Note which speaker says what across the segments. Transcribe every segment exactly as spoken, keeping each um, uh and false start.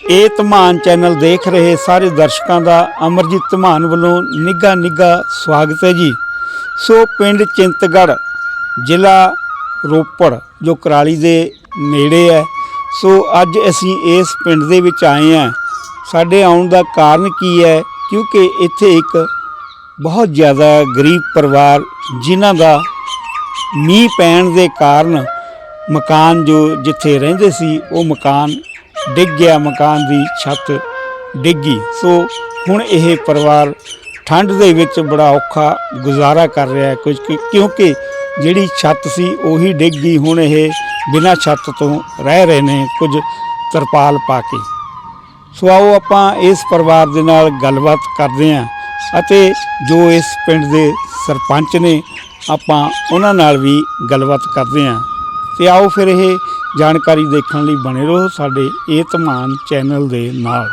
Speaker 1: ਇਹ ਧਮਾਨ ਚੈਨਲ ਦੇਖ ਰਹੇ ਸਾਰੇ ਦਰਸ਼ਕਾਂ ਦਾ ਅਮਰਜੀਤ ਧਮਾਨ ਵੱਲੋਂ ਨਿੱਘਾ ਨਿੱਘਾ ਸਵਾਗਤ ਹੈ ਜੀ। ਸੋ ਪਿੰਡ ਚਿੰਤਗੜ੍ਹ ਜ਼ਿਲ੍ਹਾ ਰੋਪੜ ਜੋ ਕੁਰਾਲੀ ਦੇ ਨੇੜੇ ਹੈ। ਸੋ ਅੱਜ ਅਸੀਂ ਇਸ ਪਿੰਡ ਦੇ ਵਿੱਚ ਆਏ ਹਾਂ। ਸਾਡੇ ਆਉਣ ਦਾ ਕਾਰਨ ਕੀ ਹੈ, ਕਿਉਂਕਿ ਇੱਥੇ ਇੱਕ ਬਹੁਤ ਜ਼ਿਆਦਾ ਗਰੀਬ ਪਰਿਵਾਰ ਜਿਨ੍ਹਾਂ ਦਾ ਮੀਂਹ ਪੈਣ ਦੇ ਕਾਰਨ ਮਕਾਨ ਜੋ ਜਿੱਥੇ ਰਹਿੰਦੇ ਸੀ ਉਹ ਮਕਾਨ ਡਿੱਗ ਗਿਆ, ਮਕਾਨ ਦੀ ਛੱਤ ਡਿੱਗੀ। ਸੋ ਹੁਣ ਇਹ ਪਰਿਵਾਰ ਠੰਡ ਦੇ ਵਿੱਚ ਬੜਾ ਔਖਾ ਗੁਜ਼ਾਰਾ ਕਰ ਰਿਹਾ ਹੈ ਕੁਝ, ਕਿਉਂਕਿ ਜਿਹੜੀ ਛੱਤ ਸੀ ਉਹੀ ਡਿੱਗ ਗਈ। ਹੁਣ ਇਹ ਬਿਨਾਂ ਛੱਤ ਤੋਂ ਰਹਿ ਰਹੇ ਨੇ, ਕੁਝ ਤਰਪਾਲ ਪਾ ਕੇ। ਸੋ ਆਓ ਆਪਾਂ ਇਸ ਪਰਿਵਾਰ ਦੇ ਨਾਲ ਗੱਲਬਾਤ ਕਰਦੇ ਹਾਂ ਅਤੇ ਜੋ ਇਸ ਪਿੰਡ ਦੇ ਸਰਪੰਚ ਨੇ ਆਪਾਂ ਉਹਨਾਂ ਨਾਲ ਵੀ ਗੱਲਬਾਤ ਕਰਦੇ ਹਾਂ। ਤੇ ਆਓ ਫਿਰ ਇਹ ਜਾਣਕਾਰੀ ਦੇਖਣ ਲਈ ਬਣੇ ਰਹੋ ਸਾਡੇ ਇਹ ਧਮਾਨ ਚੈਨਲ ਦੇ ਨਾਲ।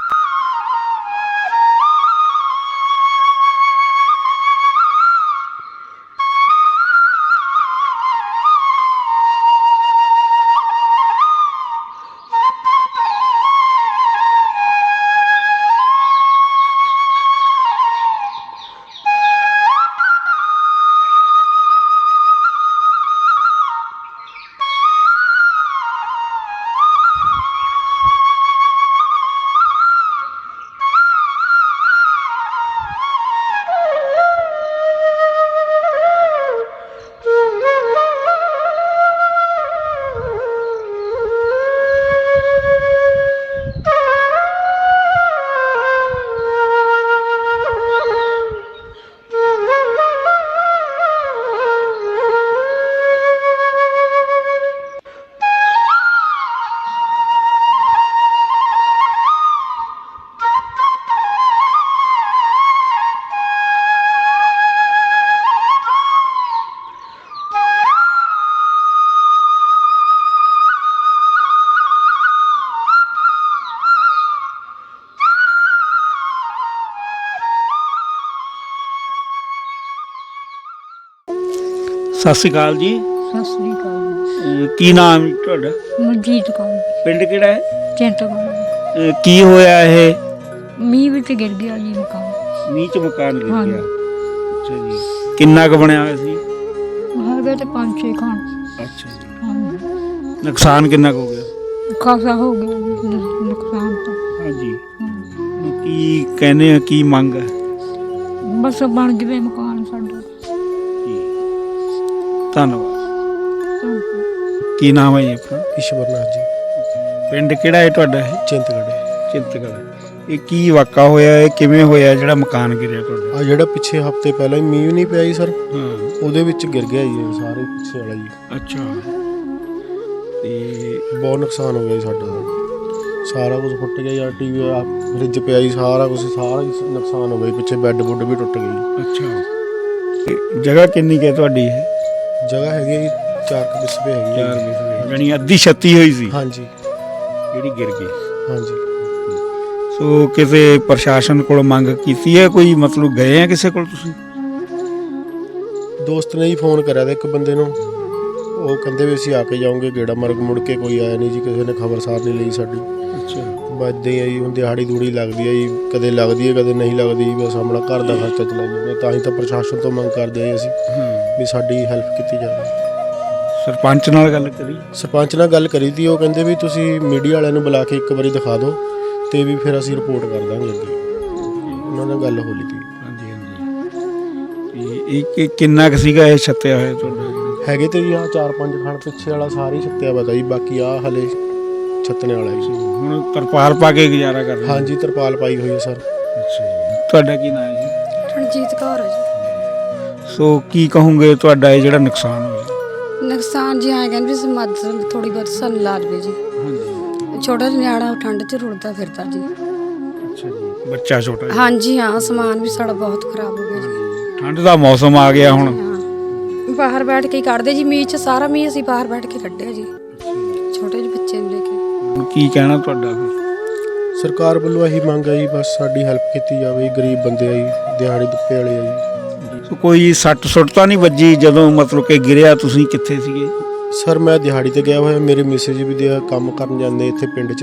Speaker 1: ਸਤਿ ਸ਼੍ਰੀ ਅਕਾਲ ਜੀ।
Speaker 2: ਸਤਿ ਸ੍ਰੀ ਅਕਾਲ।
Speaker 1: ਕੀ ਨਾਮ ਹੈ ਤੁਹਾਡਾ?
Speaker 2: ਮਨਜੀਤ ਕੌਰ।
Speaker 1: ਪਿੰਡ ਕਿਹੜਾ ਹੈ?
Speaker 2: ਚਿੰਤਗੜ੍ਹ।
Speaker 1: ਅਹ ਕੀ ਹੋਇਆ ਇਹ?
Speaker 2: ਮੀਂਹ ਵਿੱਚ ਗਿਰ ਗਿਆ ਜੀ ਮਕਾਨ।
Speaker 1: ਮੀਂਹ ਚ ਮਕਾਨ ਗਿਰ
Speaker 2: ਹਾਂਜੀ।
Speaker 1: ਗਿਆ। ਅੱਛਾ ਜੀ। ਕਿੰਨਾ ਕੁ ਬਣਿਆ ਹੋਇਆ ਸੀ?
Speaker 2: ਹੈਗੇ ਤੇ ਪੰਜ ਛੇ ਖਾਨ।
Speaker 1: ਅੱਛਾ ਜੀ।
Speaker 2: ਹਾਂਜੀ।
Speaker 1: ਨੁਕਸਾਨ ਕਿੰਨਾ ਕੁ ਹੋ ਗਿਆ?
Speaker 2: ਖਾਸਾ ਹੋ ਗਿਆ ਜੀ ਨੁਕਸਾਨ ਤਾਂ।
Speaker 1: ਹਾਂਜੀ।
Speaker 2: ਹਾਂ।
Speaker 1: ਹੁਣ ਕੀ ਕਹਿੰਦੇ ਆ, ਕੀ ਮੰਗ ਹੈ?
Speaker 2: ਬਸ ਬਣ ਜਵੇ ਮਕਾਨ ਸਾਡਾ।
Speaker 1: ਧੰਨਵਾਦ।
Speaker 2: ਧੰਨਵਾਦ।
Speaker 1: ਕੀ ਨਾਮ ਹੈ ਜੀ ਆਪਣਾ?
Speaker 3: ਈਸ਼ਵਰਨਾਥ ਜੀ।
Speaker 1: ਪਿੰਡ ਕਿਹੜਾ ਹੈ ਤੁਹਾਡਾ? ਇਹ
Speaker 3: ਚਿੰਤਗੜ੍ਹ।
Speaker 1: ਚਿੰਤਗੜ੍ਹ। ਇਹ ਕੀ ਵਾਕਾ ਹੋਇਆ, ਇਹ ਕਿਵੇਂ ਹੋਇਆ ਜਿਹੜਾ ਮਕਾਨ ਗਿਰਿਆ ਤੁਹਾਡਾ?
Speaker 3: ਆ ਜਿਹੜਾ ਪਿੱਛੇ ਹਫਤੇ ਪਹਿਲਾਂ ਹੀ ਮੀਂਹ ਨਹੀਂ ਪਿਆ ਜੀ ਸਰ,
Speaker 1: ਹਾਂ।
Speaker 3: ਉਹਦੇ ਵਿੱਚ ਗਿਰ ਗਿਆ ਜੀ ਇਹ ਸਾਰੇ ਪਿੱਛੇ ਵਾਲਾ ਜੀ।
Speaker 1: ਅੱਛਾ। ਤੇ
Speaker 3: ਬਹੁਤ ਨੁਕਸਾਨ ਹੋ ਗਿਆ ਜੀ ਸਾਡਾ। ਸਾਰਾ ਕੁਝ ਫੁੱਟ ਗਿਆ ਯਾਰ, ਟੀਵੀ ਆ ਫਰਿੱਜ ਪਿਆ ਜੀ, ਸਾਰਾ ਕੁਝ ਸਾਰਾ ਹੀ ਨੁਕਸਾਨ ਹੋ ਗਿਆ। ਪਿੱਛੇ ਬੈੱਡ ਬੁੱਡ ਵੀ ਟੁੱਟ ਗਏ।
Speaker 1: ਅੱਛਾ। ਤੇ ਜਗ੍ਹਾ ਕਿੰਨੀ ਕੁ ਹੈ ਤੁਹਾਡੀ? ਇਹ
Speaker 3: ਜਗ੍ਹਾ ਹੈਗੀ ਹੈ ਜੀ ਚਾਰ ਕੁ ਬਿਸਵੇ ਹੈਗੀ
Speaker 1: ਚਾਰ
Speaker 3: ਹੈ।
Speaker 1: ਬਿਸਵੇ, ਯਾਨੀ ਅੱਧੀ ਛੱਤੀ ਹੋਈ ਸੀ
Speaker 3: ਹਾਂਜੀ
Speaker 1: ਜਿਹੜੀ ਗਿਰ ਗਈ।
Speaker 3: ਹਾਂਜੀ।
Speaker 1: ਸੋ ਕਿਸੇ ਪ੍ਰਸ਼ਾਸਨ ਕੋਲ ਮੰਗ ਕੀਤੀ ਹੈ ਕੋਈ, ਮਤਲਬ ਗਏ ਆ ਕਿਸੇ ਕੋਲ ਤੁਸੀਂ?
Speaker 3: ਦੋਸਤ ਨੇ ਹੀ ਫੋਨ ਕਰਿਆ ਤਾਂ ਇੱਕ ਬੰਦੇ ਨੂੰ, ਉਹ ਕਹਿੰਦੇ ਵੀ ਅਸੀਂ ਆ ਕੇ ਜਾਓਗੇ ਗੇੜਾ, ਮਰਗ ਮੁੜ ਕੇ ਕੋਈ ਆਇਆ ਨਹੀਂ ਜੀ, ਕਿਸੇ ਨੇ ਖਬਰਸਾਰ ਨਹੀਂ ਲਈ ਸਾਡੀ।
Speaker 1: ਅੱਛਾ।
Speaker 3: ਵੱਜਦੇ ਆ ਜੀ, ਹੁਣ ਦਿਹਾੜੀ ਦੂੜੀ ਲੱਗਦੀ ਹੈ ਜੀ, ਕਦੇ ਲੱਗਦੀ ਹੈ ਕਦੇ ਨਹੀਂ ਲੱਗਦੀ। ਬਸ ਆਪਣਾ ਘਰ ਦਾ ਖਰਚਾ ਚਲਾਈ ਜਾਂਦੇ, ਤਾਂ ਹੀ ਤਾਂ ਪ੍ਰਸ਼ਾਸਨ ਤੋਂ ਮੰਗ ਕਰਦੇ ਆ ਅਸੀਂ ਵੀ ਸਾਡੀ ਹੈਲਪ ਕੀਤੀ ਜਾਵੇ।
Speaker 1: ਸਰਪੰਚ ਨਾਲ ਗੱਲ ਕਰੀ?
Speaker 3: ਸਰਪੰਚ ਨਾਲ ਗੱਲ ਕਰੀ ਤੀ, ਉਹ ਕਹਿੰਦੇ ਵੀ ਤੁਸੀਂ ਮੀਡੀਆ ਵਾਲਿਆਂ ਨੂੰ ਬੁਲਾ ਕੇ ਇੱਕ ਵਾਰੀ ਦਿਖਾ ਦਿਓ ਤੇ ਵੀ ਫਿਰ ਅਸੀਂ ਰਿਪੋਰਟ ਕਰ ਦਾਂਗੇ ਅੱਗੇ। ਉਹਨਾਂ ਨਾਲ ਗੱਲ ਹੋ ਲਈ ਤੀ।
Speaker 1: ਹਾਂਜੀ ਹਾਂਜੀ। ਇਹ ਕਿ ਕਿੰਨਾ ਕੁ ਸੀਗਾ ਇਹ ਛੱਤਿਆ ਹੋਇਆ ਤੁਹਾਡਾ?
Speaker 3: ਹੈਗੇ ਤੇ ਜੀ ਆਹ ਚਾਰ ਪੰਜ ਖਾਣ ਪਿੱਛੇ ਵਾਲਾ ਸਾਰੀ ਛੱਤਿਆ ਪਤਾ ਜੀ, ਬਾਕੀ ਆਹ ਹਲੇ ਛੱਤਣੇ ਵਾਲਾ ਜੀ।
Speaker 1: ਹੁਣ ਤਰਪਾਲ ਪਾ ਕੇ ਗੁਜ਼ਾਰਾ ਕਰ ਰਹੇ?
Speaker 3: ਹਾਂਜੀ ਤਰਪਾਲ ਪਾਈ ਹੋਈ ਹੈ ਸਰ।
Speaker 1: ਅੱਛਾ ਜੀ। ਤੁਹਾਡਾ ਕੀ ਨਾਮ ਹੈ ਜੀ?
Speaker 2: ਰਣਜੀਤ ਕੌਰ ਹੈ ਜੀ।
Speaker 1: ਸੋ ਕੀ ਕਹੋਗੇ ਤੁਹਾਡਾ ਇਹ ਜਿਹੜਾ ਨੁਕਸਾਨ ਹੋਇਆ?
Speaker 2: ਨੁਕਸਾਨ ਜੀ ਆਏ ਕਹਿੰਦੇ ਵੀ ਮਦਦ ਥੋੜੀ ਬਹੁਤ ਸਾਨੂੰ ਲਾ ਦੇਵੇ ਜੀ।
Speaker 1: ਹਾਂਜੀ।
Speaker 2: ਛੋਟਾ ਨਿਆਣਾ ਠੰਡ 'ਚ ਰੁੜਦਾ ਫਿਰਦਾ ਜੀ।
Speaker 1: ਅੱਛਾ ਜੀ। ਬੱਚਾ ਛੋਟਾ ਜੀ?
Speaker 2: ਹਾਂਜੀ ਹਾਂ, ਸਮਾਨ ਵੀ ਸਾਡਾ ਬਹੁਤ ਖਰਾਬ ਹੋ ਗਿਆ ਜੀ।
Speaker 1: ਠੰਡ ਦਾ ਮੌਸਮ ਆ ਗਿਆ ਹੁਣ।
Speaker 2: ਹਾਂ, ਬਾਹਰ ਬੈਠ ਕੇ ਕੱਢਦੇ ਜੀ ਮੀਂਹ 'ਚ, ਸਾਰਾ ਮੀਂਹ ਅਸੀਂ ਬਾਹਰ ਬੈਠ ਕੇ ਕੱਢਿਆ ਜੀ ਛੋਟੇ ਜਿਹੇ ਬੱਚੇ ਨੂੰ ਲੈ ਕੇ।
Speaker 1: ਹੁਣ ਕੀ ਕਹਿਣਾ ਤੁਹਾਡਾ?
Speaker 3: ਸਰਕਾਰ ਵੱਲੋਂ ਇਹੀ ਮੰਗ ਹੈ ਜੀ, ਬਸ ਸਾਡੀ ਹੈਲਪ ਕੀਤੀ ਜਾਵੇ। ਗਰੀਬ ਬੰਦੇ ਆ ਜੀ, ਦਿਹਾੜੀ ਦੁੱਪੇ ਵਾਲੇ ਆ ਜੀ।
Speaker 1: ਕੋਈ ਸੱਟ ਸੁੱਟ ਤਾਂ ਨਹੀਂ ਵੱਜੀ ਜਦੋਂ ਮਤਲਬ ਕਿ ਗਿਰਿਆ? ਤੁਸੀਂ ਕਿੱਥੇ ਸੀਗੇ?
Speaker 3: ਸਰ ਮੈਂ ਦਿਹਾੜੀ ਤੇ ਗਿਆ ਹੋਇਆ, ਮੇਰੇ ਮਿਸੇਜ ਵੀ ਦੇ ਕੰਮ ਕਰਨ ਜਾਂਦੇ ਇੱਥੇ ਪਿੰਡ 'ਚ।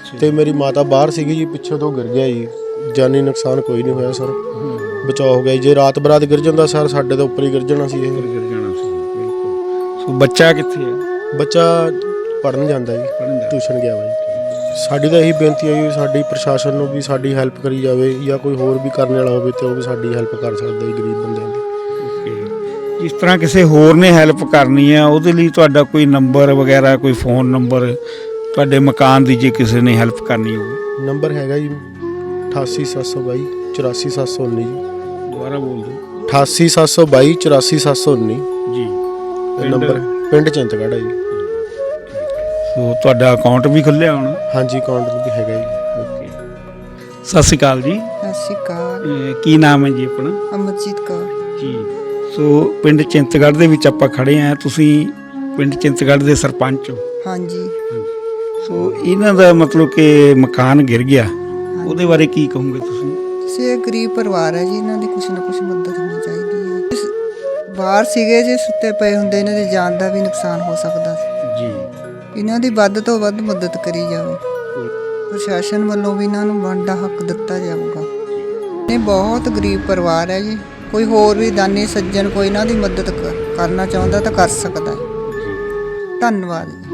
Speaker 3: ਤੇ ਮੇਰੀ ਮਾਤਾ ਬਾਹਰ ਸੀਗੀ ਜੀ, ਪਿੱਛੇ ਤੋਂ ਗਿਰ ਗਿਆ ਜੀ। ਜਾਨੀ ਨੁਕਸਾਨ ਕੋਈ ਨਹੀਂ ਹੋਇਆ ਸਰ, ਬਚਾਅ ਹੋ ਗਿਆ ਜੀ। ਜੇ ਰਾਤ ਬਰਾਤ ਗਿਰ ਜਾਂਦਾ ਸਰ ਸਾਡੇ ਤੋਂ ਉੱਪਰ ਹੀ ਗਿਰ ਜਾਣਾ ਸੀ ਇਹ।
Speaker 1: ਗਿਰ ਜਾਣਾ ਸੀ ਬਿਲਕੁਲ। ਸੋ ਬੱਚਾ ਕਿੱਥੇ ਹੈ?
Speaker 3: ਬੱਚਾ ਪੜ੍ਹਨ ਜਾਂਦਾ ਜੀ, ਟਿਊਸ਼ਨ ਗਿਆ ਵਾ ਜੀ। ਸਾਡੀ ਤਾਂ ਇਹੀ ਬੇਨਤੀ ਹੈ ਜੀ ਸਾਡੀ ਪ੍ਰਸ਼ਾਸਨ ਨੂੰ ਵੀ ਸਾਡੀ ਹੈਲਪ ਕਰੀ ਜਾਵੇ, ਜਾਂ ਕੋਈ ਹੋਰ ਵੀ ਕਰਨ ਵਾਲਾ ਹੋਵੇ ਤੇ ਉਹ ਵੀ ਸਾਡੀ ਹੈਲਪ ਕਰ ਸਕਦਾ ਜੀ ਗਰੀਬ ਬੰਦਿਆਂ ਦੀ।
Speaker 1: ਜਿਸ ਤਰ੍ਹਾਂ ਕਿਸੇ ਹੋਰ ਨੇ ਹੈਲਪ ਕਰਨੀ ਹੈ ਉਹਦੇ ਲਈ ਤੁਹਾਡਾ ਕੋਈ ਨੰਬਰ ਵਗੈਰਾ, ਕੋਈ ਫੋਨ ਨੰਬਰ ਤੁਹਾਡੇ ਮਕਾਨ ਦੀ, ਜੇ ਕਿਸੇ ਨੇ ਹੈਲਪ ਕਰਨੀ ਹੋਵੇ?
Speaker 3: ਨੰਬਰ ਹੈਗਾ ਜੀ ਅਠਾਸੀ ਸੱਤ ਸੌ ਬਾਈ ਚੁਰਾਸੀ ਸੱਤ ਸੌ ਉੱਨੀ ਜੀ।
Speaker 1: ਦੁਬਾਰਾ ਬੋਲ ਦਿਓ।
Speaker 3: ਅਠਾਸੀ ਸੱਤ ਸੌ ਬਾਈ ਚੁਰਾਸੀ ਸੱਤ ਸੌ ਉੱਨੀ
Speaker 1: ਜੀ।
Speaker 3: ਇਹ ਨੰਬਰ ਪਿੰਡ ਚਿੰਤਗੜ੍ਹ ਹੈ ਜੀ।
Speaker 1: ਸੋ ਤੁਹਾਡਾ ਅਕਾਊਂਟ ਵੀ ਖੁੱਲ੍ਹਿਆ ਹੋਣਾ?
Speaker 3: ਹਾਂਜੀ, ਅਕਾਊਂਟ ਵੀ ਹੈਗਾ ਜੀ।
Speaker 1: ਓਕੇ। ਸਤਿ ਸ਼੍ਰੀ ਅਕਾਲ ਜੀ।
Speaker 4: ਸਤਿ ਸ਼੍ਰੀ ਅਕਾਲ।
Speaker 1: ਇਹ ਕੀ ਨਾਮ ਹੈ ਜੀ ਆਪਣਾ?
Speaker 4: ਅਮਰਜੀਤ ਕੌਰ।
Speaker 1: ਜੀ। ਸੋ ਪਿੰਡ ਚਿੰਤਗੜ੍ਹ ਦੇ ਵਿੱਚ ਆਪਾਂ ਖੜੇ ਹਾਂ, ਤੁਸੀਂ ਪਿੰਡ ਚਿੰਤਗੜ੍ਹ ਦੇ ਸਰਪੰਚ ਹੋ?
Speaker 4: ਹਾਂਜੀ।
Speaker 1: ਸੋ ਇਹਨਾਂ ਦਾ ਮਤਲਬ ਕਿ ਮਕਾਨ ਗਿਰ ਗਿਆ, ਉਹਦੇ ਬਾਰੇ ਕੀ ਕਹੋਗੇ ਤੁਸੀਂ?
Speaker 4: ਕਿਸੇ ਗਰੀਬ ਪਰਿਵਾਰ ਹੈ ਜੀ, ਇਹਨਾਂ ਦੀ ਕੁਛ ਨਾ ਕੁਛ ਮਦਦ ਹੋਣੀ ਚਾਹੀਦੀ ਹੈ। ਇਸ- ਬਾਹਰ ਸੀਗੇ, ਜੇ ਸੁੱਤੇ ਪਏ ਹੁੰਦੇ ਇਹਨਾਂ ਦੀ ਜਾਨ ਦਾ ਵੀ ਨੁਕਸਾਨ ਹੋ ਸਕਦਾ ਸੀ
Speaker 1: ਜੀ।
Speaker 4: ਇਹਨਾਂ ਦੀ ਵੱਧ ਤੋਂ ਵੱਧ ਮਦਦ ਕਰੀ ਜਾਵੇ। ਪ੍ਰਸ਼ਾਸਨ ਵੱਲੋਂ ਵੀ ਇਹਨਾਂ ਨੂੰ ਬਣਦਾ ਹੱਕ ਦਿੱਤਾ ਜਾਊਗਾ। ਇਹ ਬਹੁਤ ਗਰੀਬ ਪਰਿਵਾਰ ਹੈ ਜੀ, ਕੋਈ ਹੋਰ ਵੀ ਦਾਨੀ ਸੱਜਣ ਕੋਈ ਇਹਨਾਂ ਦੀ ਮਦਦ ਕ- ਕਰਨਾ ਚਾਹੁੰਦਾ ਤਾਂ ਕਰ ਸਕਦਾ ਹੈ। ਧੰਨਵਾਦ।